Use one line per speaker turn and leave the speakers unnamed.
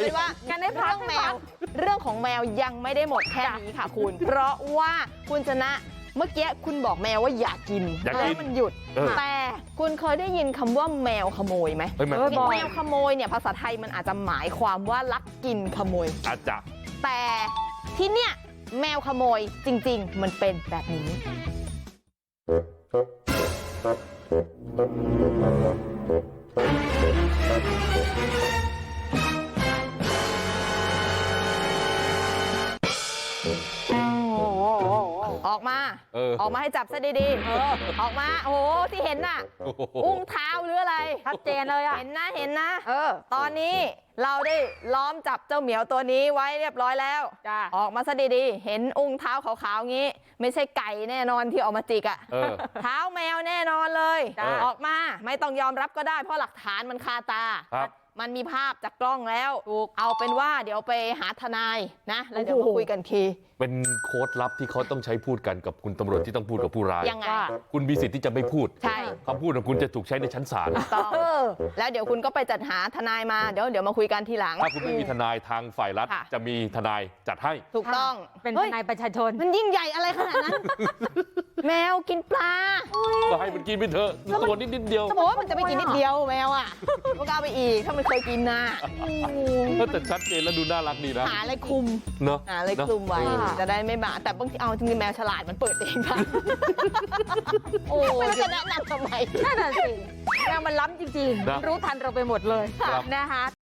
เป็นว่าเรื่องของแมวยังไม่ได้หมดแค่นี้ค่ะคุณเพราะว่าคุณชนะเมื่อกี้คุณบอกแมวว่าอย่ากินแล้วมันหยุดแต่คุณเคยได้ยินคำว่าแมวขโมยไหมแมวขโมยเนี่ยภาษาไทยมันอาจจะหมายความว่าลักกินขโมย
อาจจะ
แต่ที่เนี่ยแมวขโมยจริงๆมันเป็นแบบนี้ออกมาให้จับซะดีๆออกมาโอ้โหที่เห็นน่ะอุ้งเท้าหรืออะไรชัดเจนเลยอ่ะเห็นนะตอนนี้เราได้ล้อมจับเจ้าเหมียวตัวนี้ไว้เรียบร้อยแล้วออกมาซะดีๆเห็นอุ้งเท้าขาวๆงี้ไม่ใช่ไก่แน่นอนที่ออกมาจิกอ่ะเท้าแมวแน่นอนเลยออกมาไม่ต้องยอมรับก็ได้เพราะหลักฐานมันคาตามันมีภาพจากกล้องแล้วเอาเป็นว่าเดี๋ยวไปหาทนายนะแล้วเดี๋ยวมาคุยกันที
เป็นโค้ดลับที่เขาต้องใช้พูดกันกับคุณตำรวจที่ต้องพูดกับผู้ร้าย
ยังไง
คุณมีสิทธิ์ที่จะไม่พูด
ใช่
คำพูดของคุณจะถูกใช้ในชั้นศาล
ต้องแล้วเดี๋ยวคุณก็ไปจัดหาทนายมาเดี๋ยวมาคุยกันทีหลัง
ถ้าคุณไม่มีทนายทางฝ่ายรัฐจะมีทนายจัดให้
ถูกต้อง
เป็นทนายประชาชน
มันยิ่งใหญ่อะไรขนาดนั้นแมวกินปลา
ก็ให้มันกินไปเถอะตัวนิดเดียว
จะบอกว่ามันจะไปกินนิดเดียวแมวอ่ะมันก็เอาไปอีกถ้ามันเคยกินนะ
แต่ชัดเจนแล้วดูน่ารักดีนะ
หาอะไรคุม
เนาะ
หาอะไรคุมไว้จะได้ไม่บาดแต่บางทีเอาจริงๆแมวฉลาดมันเปิดเองค่ะโอ้ไม่รู้จะแนะนำทำไม
นั่นน่ะสิแมวมันล้ำจริงๆรู้ทันเราไปหมดเลยนะคะ